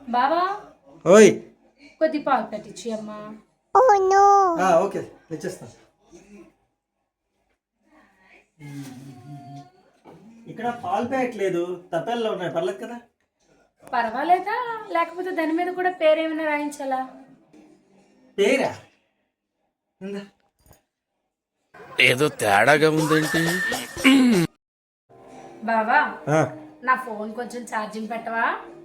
బావా ఓయ్ కొద్ది పాలు పెట్టించి అమ్మా. ఓకే తెచ్చేస్తా. ఇక్కడ పాలు ప్యాకెట్ లేదు, తప్పెల్లో ఉన్నాయి, పర్లేదు కదా? పర్వాలేదా? లేకపోతే దాని మీద కూడా పేరేమైనా రాయించాలా? పేరా? ఏదో తేడాగా ఉందేంటి? బావా నా ఫోన్ కొంచెం ఛార్జింగ్ పెట్టవా?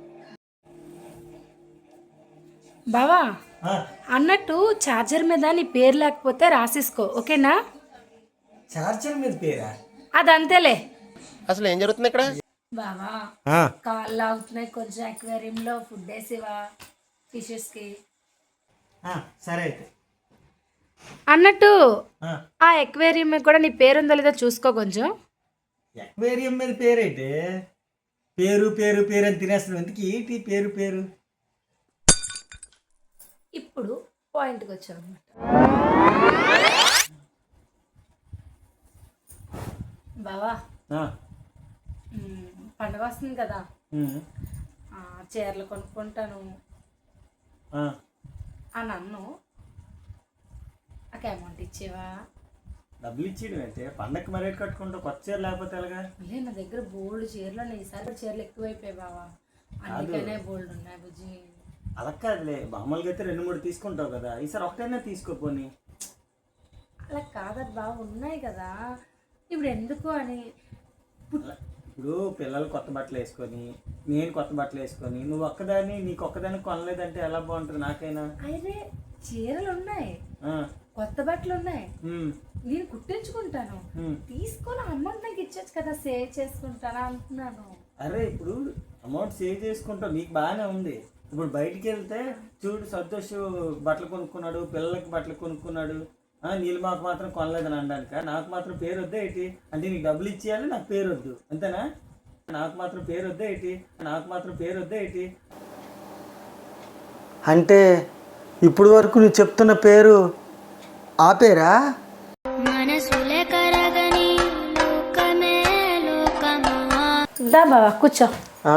బావా అన్నట్టు ఛార్జర్ మీద నీ పేరు లేకపోతే రాసేసుకో, ఓకేనా? చార్జర్ మీద పేరా? అదంతేలే. అసలు ఏం జరుగుతుంది ఇక్కడ? బావా కాళ్ళు అవుతున్నాయి, కొంచెం అక్వేరియంలో ఫుడ్ వేసేవా ఫిషెస్ కి? సరే అయితే. అన్నట్టు ఆ అక్వేరియం మీద కూడా నీ పేరు ఉందో లేదో చూసుకో కొంచెం. అక్వేరియం మీద పేరేంటి? పేరు పేరు పేరు అని తినేస్తున్నావు, ఎందుకు ఏంటి పేరు పేరు? ఇప్పుడు పాయింట్కి వచ్చావు అనమాట. బావా పండగ వస్తుంది కదా, చీరలు కొనుక్కుంటాను అని అన్ను. నాకు అమౌంట్ ఇచ్చేవా? డబ్బులు ఇచ్చేయడం అయితే పండగకి మరేట్ కట్టుకుంటావు, కొత్త చీర లేకపోతే ఎలాగా? నా దగ్గర బోల్డ్ చీరలు ఉన్నాయి, ఈసారి చీరలు ఎక్కువైపోయాయి బావా, అందుకనే బోల్డ్ ఉన్నాయి బుజ్జి. అలా కాదులే, మామూలుగా అయితే 2-3 తీసుకుంటావు కదా, ఈసారి ఒకటైనా తీసుకోపోని. అలా కాదది బాగా ఉన్నాయి కదా, ఇప్పుడు ఎందుకు అని. ఇప్పుడు పిల్లలు కొత్త బట్టలు వేసుకొని, నేను కొత్త బట్టలు వేసుకొని, నువ్వు ఒక్కదాన్ని నీకు ఒక్కదాన్ని కొనలేదంటే ఎలా బాగుంటుంది నాకైనా? అయితే చీరలు ఉన్నాయి, కొత్త బట్టలు ఉన్నాయి, నేను కుట్టించుకుంటాను, తీసుకొని అమౌంట్ నాకు ఇచ్చొచ్చు కదా, సేవ్ చేసుకుంటానా అంటున్నాను. అరే ఇప్పుడు అమౌంట్ సేవ్ చేసుకుంటావు, నీకు బాగానే ఉంది. ఇప్పుడు బయటికి వెళ్తే చూడు, సంతోష్ బట్టలు కొనుక్కున్నాడు, పిల్లలకి బట్టలు కొనుక్కున్నాడు, నీళ్ళు మాకు మాత్రం కొనలేదని అనడానిక? నాకు మాత్రం పేరు వద్దా ఏంటి? అంటే నీకు డబ్బులు ఇచ్చేయాలి, నాకు పేరు వద్దు, అంతేనా? నాకు మాత్రం పేరు వద్దా ఏంటి? నాకు మాత్రం పేరు వద్దా ఏంటి? అంటే ఇప్పుడు వరకు నువ్వు చెప్తున్న పేరు ఆ పేరా? దా బావా కూర్చో.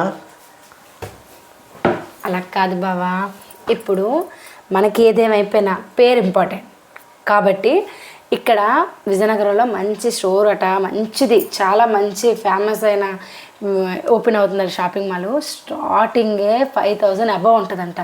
అలా కాదు బావా, ఇప్పుడు మనకి ఏదేమైపోయినా పేరు ఇంపార్టెంట్ కాబట్టి ఇక్కడ విజయనగరంలో మంచి స్టోర్ అట, మంచిది, చాలా మంచి ఫేమస్ అయిన ఓపెన్ అవుతుంది షాపింగ్ మాల్. స్టార్టింగే 5,000 అబవ్ ఉంటుందంట.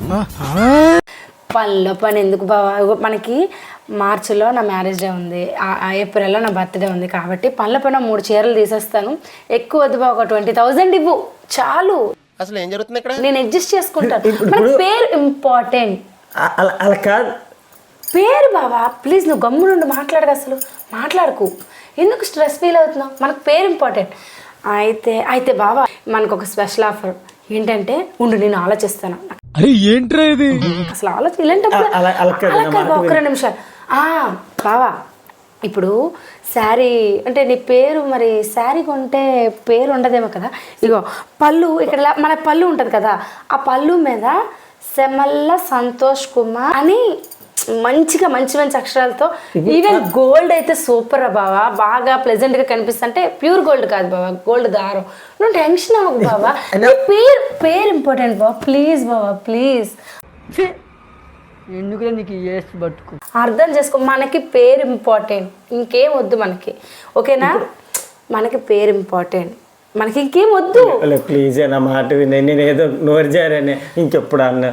పనిలో పని ఎందుకు బావా, మనకి మార్చిలో నా మ్యారేజ్ డే ఉంది, ఏప్రిల్లో నా బర్త్డే ఉంది కాబట్టి పనిలో పైన 3 చీరలు తీసేస్తాను. ఎక్కువ వద్దు బావ, ఒక 20,000 ఇవ్వు చాలు. అసలు ఏం జరుగుతుంది ఇక్కడ? నేను అడ్జస్ట్ చేసుకుంటాను. పేరు ఇంపార్టెంట్. అలా కాదు పేరు బావా, ప్లీజ్ నువ్వు గమ్మునుండి మాట్లాడక, అసలు మాట్లాడకు, ఎందుకు స్ట్రెస్ ఫీల్ అవుతున్నావు? మనకు పేరు ఇంపార్టెంట్. అయితే బావా మనకు ఒక స్పెషల్ ఆఫర్ ఏంటంటే, ఉండు నేను ఆలోచిస్తాను. అసలు ఆలోచన ఒక్క 2 నిమిషాలు. బావా ఇప్పుడు శారీ అంటే నీ పేరు, మరి శారీ కొంటే పేరు ఉండదేమో కదా. ఇగో పళ్ళు, ఇక్కడ మన పళ్ళు ఉంటుంది కదా, ఆ పళ్ళు మీద సెమల్ల సంతోష్ కుమార్ అని మంచిగా మంచి మంచి అక్షరాలతో, ఈవెన్ గోల్డ్ అయితే సూపర్ బావా, బాగా ప్లెజెంట్గా కనిపిస్తుంటే, ప్యూర్ గోల్డ్ కాదు బావా, గోల్డ్ దారం. నువ్వు టెన్షన్ అవ్వకు బావా, పేరు ఇంపార్టెంట్ బావా, ప్లీజ్ బావా ప్లీజ్. ఎందుకు నీకు పట్టుకు అర్థం చేసుకో, మనకి పేరు ఇంపార్టెంట్, ఇంకేం వద్దు మనకి, ఓకేనా? మనకి పేరు ఇంపార్టెంట్, మనకి ఇంకేం వద్దు. ప్లీజ్ నా మాట వినే, నేను ఏదో నోరు జారనే ఇంకెప్పుడు అన్నా.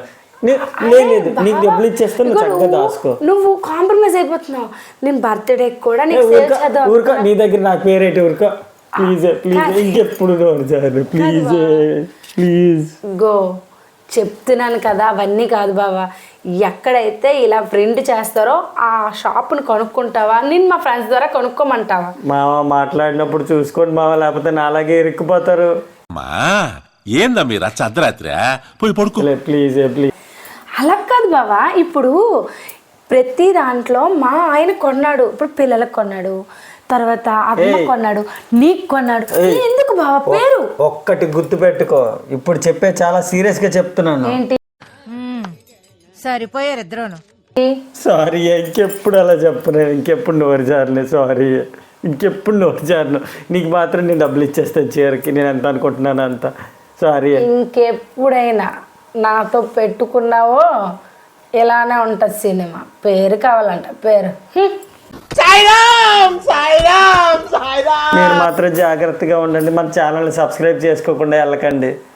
నువ్వు కాంప్రమైజ్ అయిపోతున్నావు. నేను బర్త్డే కూడా ఊరుకో, నీ దగ్గర నాకు పేరేంటి? ఊరుకో ప్లీజ్ ప్లీజ్, ఇంకెప్పుడు నోరు జారు ప్లీజ్ ప్లీజ్. గో చెప్తున్నాను కదా, అవన్నీ కాదు బావా, ఎక్కడైతే ఇలా ప్రింట్ చేస్తారో ఆ షాప్ని కొనుక్కుంటావా, నేను మా ఫ్రెండ్స్ ద్వారా కొనుక్కోమంటావా? మావ మాట్లాడినప్పుడు చూసుకోండి మావ, లేకపోతే నా అలాగే ఇరుక్కుపోతారు. ఏందా మీరు అర్ధరాత్రి పోయి పడుకో ప్లీజ్ ప్లీజ్. అలా కాదు బావా, ఇప్పుడు ప్రతి దాంట్లో మా ఆయన కొన్నాడు, ఇప్పుడు పిల్లలకు కొన్నాడు, తర్వాత అమ్మ కొన్నాడు, నీకు కొన్నాడు, ఎందుకు బావా పేరు? ఒక్కటి గుర్తు పెట్టుకో, ఇప్పుడు చెప్పే చాలా సీరియస్ గా చెప్తున్నాను. ఏంటి? సరిపోయారు ఇద్దరును. సారీ, ఇంకెప్పుడు అలా చెప్పను, ఇంకెప్పుడు నోరు జారలే, సారీ, ఇంకెప్పుడు నోరు జారను. నీకు మాత్రం నేను డబ్బులు ఇచ్చేస్తాను చీరకి, నేను ఎంత అనుకుంటున్నాను అంత. సారీ. ఇంకెప్పుడైనా నాతో పెట్టుకున్నావో ఇలానే ఉంటుంది సినిమా. పేరు కావాలంట పేరు. మీరు మాత్రం జాగ్రత్తగా ఉండండి. మన ఛానల్ని సబ్స్క్రైబ్ చేసుకోకుండా వెళ్ళకండి.